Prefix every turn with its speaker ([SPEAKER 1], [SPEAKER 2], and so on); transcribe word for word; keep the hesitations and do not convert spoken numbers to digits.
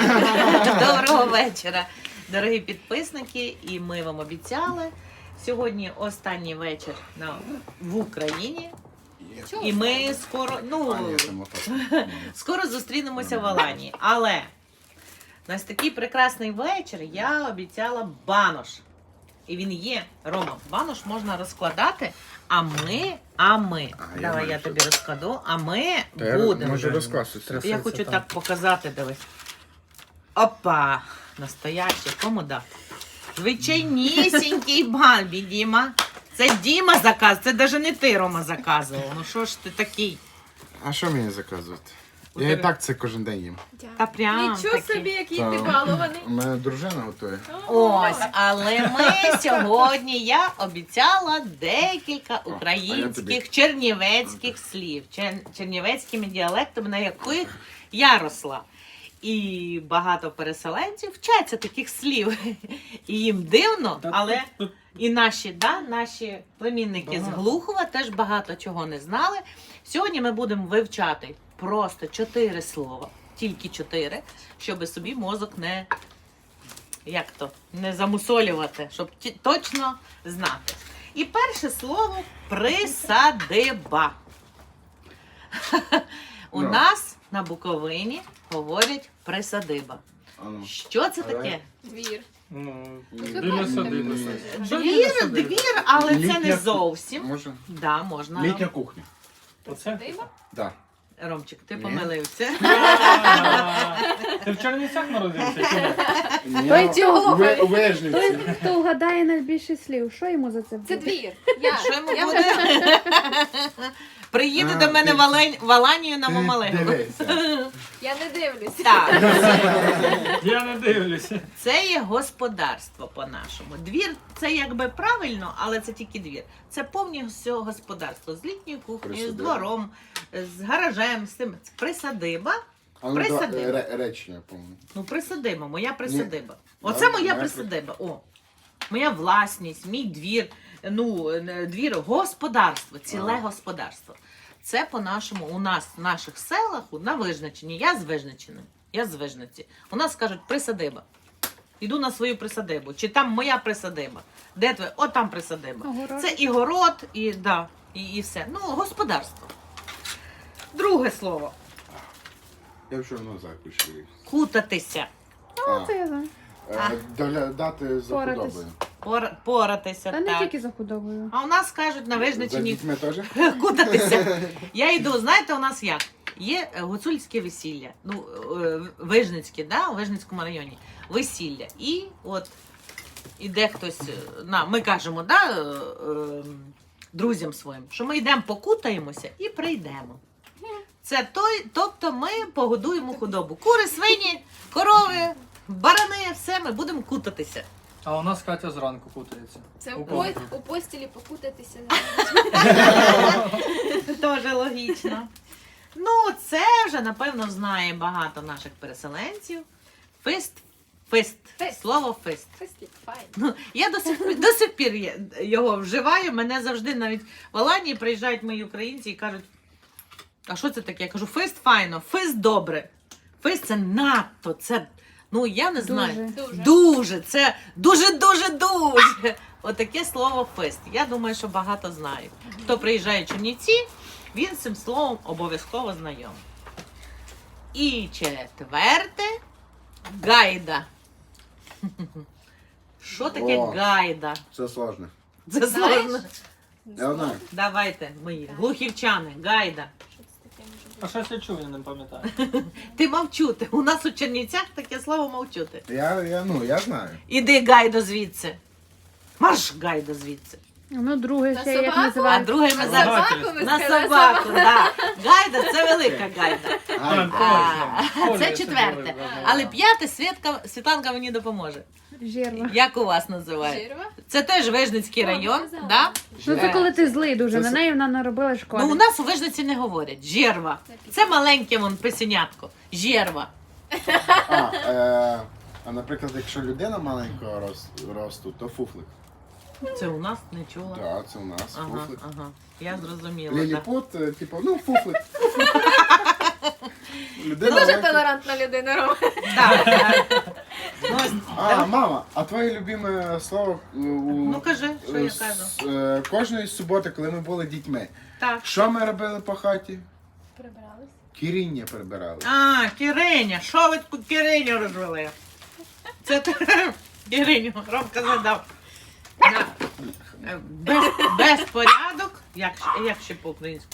[SPEAKER 1] Доброго вечора, дорогі підписники. І ми вам обіцяли, сьогодні останній вечір на, в Україні. І ми скоро, ну, скоро зустрінемося в Аланії. Але у нас такий прекрасний вечір, я обіцяла банош. І він є. Рома, банош можна розкладати, а ми, а ми,
[SPEAKER 2] А,
[SPEAKER 1] давай
[SPEAKER 2] я
[SPEAKER 1] я
[SPEAKER 2] можу.
[SPEAKER 1] тобі розкладу, а ми
[SPEAKER 2] Та
[SPEAKER 1] будемо.
[SPEAKER 2] Може розкласти.
[SPEAKER 1] Я хочу так показати, дивись. Опа! Настояще, кому дати? Звичайнісінький Бамбі, Діма. Це Діма заказ, це навіть не ти, Рома, заказував. Ну що ж ти такий?
[SPEAKER 2] А що мені заказувати?
[SPEAKER 1] У
[SPEAKER 2] Я
[SPEAKER 1] тебе-
[SPEAKER 2] і так це кожен день їм.
[SPEAKER 1] Та прям
[SPEAKER 3] Нічого
[SPEAKER 1] таки.
[SPEAKER 3] собі, який
[SPEAKER 2] Та,
[SPEAKER 3] ти балований.
[SPEAKER 2] У мене дружина готує.
[SPEAKER 1] Ось, але ми сьогодні, я обіцяла декілька
[SPEAKER 2] тобі.
[SPEAKER 1] українських чернівецьких слів, чер- чернівецькими діалектами, на яких я росла. І багато переселенців вчаться таких слів. І їм дивно, але і наші, да, наші племінники з Глухова теж багато чого не знали. Сьогодні ми будемо вивчати просто чотири слова, тільки чотири, щоб собі мозок не, як то, не замусолювати, щоб ті- точно знати. І перше слово присадиба. У
[SPEAKER 2] Ну.
[SPEAKER 1] нас на Буковині говорять присадиба.
[SPEAKER 2] Ану.
[SPEAKER 1] Що це таке?
[SPEAKER 3] Двір.
[SPEAKER 4] Ну,
[SPEAKER 3] це
[SPEAKER 4] біля
[SPEAKER 3] правильно.
[SPEAKER 4] садиби.
[SPEAKER 2] Ні.
[SPEAKER 4] Що біля
[SPEAKER 1] Двір,
[SPEAKER 4] садиби?
[SPEAKER 1] двір, але це не
[SPEAKER 2] Літня-
[SPEAKER 1] зовсім.
[SPEAKER 2] Може?
[SPEAKER 1] Да, можна.
[SPEAKER 2] Літня кухня.
[SPEAKER 4] Оце?
[SPEAKER 3] Диба?
[SPEAKER 2] Да.
[SPEAKER 1] Ромчик, ти
[SPEAKER 2] Ні.
[SPEAKER 1] помилився.
[SPEAKER 4] А, Ти в Чернівцях народився? чи ні?
[SPEAKER 2] Той
[SPEAKER 3] цього.
[SPEAKER 2] У Вежниці.
[SPEAKER 5] Хто вгадає найбільше слів, що йому за це буде?
[SPEAKER 3] Це двір. Я.
[SPEAKER 1] Що йому
[SPEAKER 3] Я
[SPEAKER 1] буде? Приїде
[SPEAKER 2] А,
[SPEAKER 1] до мене
[SPEAKER 2] ти-
[SPEAKER 1] в Алень- в Аланію на Мамалегу.
[SPEAKER 2] Дивися.
[SPEAKER 3] Я не дивлюсь.
[SPEAKER 1] Так,
[SPEAKER 4] Я не дивлюся.
[SPEAKER 1] це є господарство по-нашому. Двір це якби правильно, але це тільки двір. Це повністю господарство з літньою кухнею, з
[SPEAKER 2] Присадиба.
[SPEAKER 1] двором, з гаражем, з тим. Присадиба.
[SPEAKER 2] А ну,
[SPEAKER 1] Присадиба.
[SPEAKER 2] да, ре- речення, по-моєму.
[SPEAKER 1] Ну, присадиба, моя присадиба.
[SPEAKER 2] Ні.
[SPEAKER 1] Оце
[SPEAKER 2] Да,
[SPEAKER 1] моя
[SPEAKER 2] моя
[SPEAKER 1] присадиба. О, моя власність, мій двір, ну, е, двір, господарство, ціле
[SPEAKER 2] Ага.
[SPEAKER 1] господарство. Це по-нашому, у нас в наших селах, у- на Вижничині, я з Вижничини, я з Вижниці. У нас кажуть присадиба. Іду на свою присадибу. Чи там моя присадиба? Де твоя? О, там присадиба.
[SPEAKER 5] Огород.
[SPEAKER 1] Це і город, і, да, і, і все. Ну, господарство. Друге слово.
[SPEAKER 2] Я вже назад пішли.
[SPEAKER 1] Кутатися.
[SPEAKER 2] А,
[SPEAKER 5] Це я знаю.
[SPEAKER 2] е, доглядати за
[SPEAKER 5] Поратись.
[SPEAKER 2] худобою.
[SPEAKER 1] Пор, поратися.
[SPEAKER 5] Та не
[SPEAKER 1] так.
[SPEAKER 5] тільки за худобою.
[SPEAKER 1] А у нас кажуть на
[SPEAKER 2] За
[SPEAKER 1] Вижничині
[SPEAKER 2] дітьми теж?
[SPEAKER 1] кутатися. Я йду, знаєте, у нас як? Є е, гуцульське весілля, ну, е, Вижницьке, да, у Вижницькому районі, весілля. І от іде хтось, е, на, ми кажемо, да, е, е, друзям своїм, що ми йдемо покутаємося і прийдемо. Це той, тобто ми погодуємо худобу. Кури, свині, корови, барани, все, ми будемо кутатися.
[SPEAKER 4] А у нас Катя зранку путається.
[SPEAKER 3] Це
[SPEAKER 4] У
[SPEAKER 3] у,
[SPEAKER 4] кого?
[SPEAKER 3] по- у постілі покутатися.
[SPEAKER 1] Дуже логічно. Ну, це вже, напевно, знає багато наших переселенців. Фист. Фист.
[SPEAKER 3] Фист.
[SPEAKER 1] Слово фист.
[SPEAKER 3] Фестик, файн.
[SPEAKER 1] Ну, я до сих, до сих пір є- його вживаю. Мене завжди навіть в Аланії приїжджають мої українці і кажуть, а що це таке? Я кажу, фист файно, фист добре. Фист це надто, це, ну, я не знаю.
[SPEAKER 5] Дуже.
[SPEAKER 3] Дуже.
[SPEAKER 1] Дуже, це дуже-дуже-дуже. Отаке слово фест. Я думаю, що багато знають. Хто приїжджає в Чернівці, він з цим словом обов'язково знайомий. І четверте гайда. Що таке
[SPEAKER 2] О.
[SPEAKER 1] гайда?
[SPEAKER 2] Це сложно.
[SPEAKER 1] Це
[SPEAKER 3] Знаєш?
[SPEAKER 1] сложно.
[SPEAKER 2] Я знаю.
[SPEAKER 1] Давайте, мої глухівчани, гайда.
[SPEAKER 3] Що це таке може бути?
[SPEAKER 4] А щось я чув, я не пам'ятаю.
[SPEAKER 1] Ти мовчути. У нас у Чернівцях таке слово мовчути.
[SPEAKER 2] Я, я, ну, я знаю.
[SPEAKER 1] Іди гайдо звідси. Марш гайдо звідси.
[SPEAKER 5] Ну, друге
[SPEAKER 3] На
[SPEAKER 5] ще як
[SPEAKER 3] собаку?
[SPEAKER 1] А
[SPEAKER 5] називають.
[SPEAKER 1] друге ми
[SPEAKER 3] На
[SPEAKER 1] зараз
[SPEAKER 3] собаку ви
[SPEAKER 1] на
[SPEAKER 3] сказали,
[SPEAKER 1] собаку. Да. Гайда це велика гайда.
[SPEAKER 2] Ай,
[SPEAKER 4] Так,
[SPEAKER 1] А,
[SPEAKER 4] точно.
[SPEAKER 1] це
[SPEAKER 4] Оля
[SPEAKER 1] четверте.
[SPEAKER 4] Сидорова, да.
[SPEAKER 1] Але п'яте Світка, Світланка мені допоможе.
[SPEAKER 5] Жерва.
[SPEAKER 1] Як у вас називають?
[SPEAKER 3] Жирва?
[SPEAKER 1] Це теж Вижницький
[SPEAKER 3] О,
[SPEAKER 1] район.
[SPEAKER 3] казала.
[SPEAKER 1] Да?
[SPEAKER 5] Ну це коли ти злий дуже,
[SPEAKER 2] Це
[SPEAKER 5] на
[SPEAKER 2] с-
[SPEAKER 5] неї вона наробила шкоди.
[SPEAKER 1] Ну у нас у Вижниці не говорять. Жерва. Це маленьке вон писенятко. Жерва.
[SPEAKER 2] А, е, а, наприклад, якщо людина маленького рос- росту, то фуфлик.
[SPEAKER 1] Це у нас не чула.
[SPEAKER 2] Так, це у нас
[SPEAKER 1] Ага,
[SPEAKER 2] фуфлик.
[SPEAKER 1] ага. Я зрозуміла. Да.
[SPEAKER 2] Ліліпут, е, типу, ну, фуфлик. Людина
[SPEAKER 3] Дуже
[SPEAKER 2] велика-
[SPEAKER 3] толерантна людина, Рома.
[SPEAKER 1] Так, так. Ну, ось,
[SPEAKER 2] А,
[SPEAKER 1] да.
[SPEAKER 2] мама, а твоє любиме слово у,
[SPEAKER 1] Ну, кажи, що я
[SPEAKER 2] з-
[SPEAKER 1] кажу.
[SPEAKER 2] е, кожної суботи, коли ми були дітьми,
[SPEAKER 1] Так.
[SPEAKER 2] що ми робили по хаті?
[SPEAKER 3] Прибрались.
[SPEAKER 2] Кіріння прибирали.
[SPEAKER 1] А, Кириня, що ви таку Кириню розвели? Це ти Кириню, Ромка задав. Да. Без, безпорядок, як, як ще по-українськи?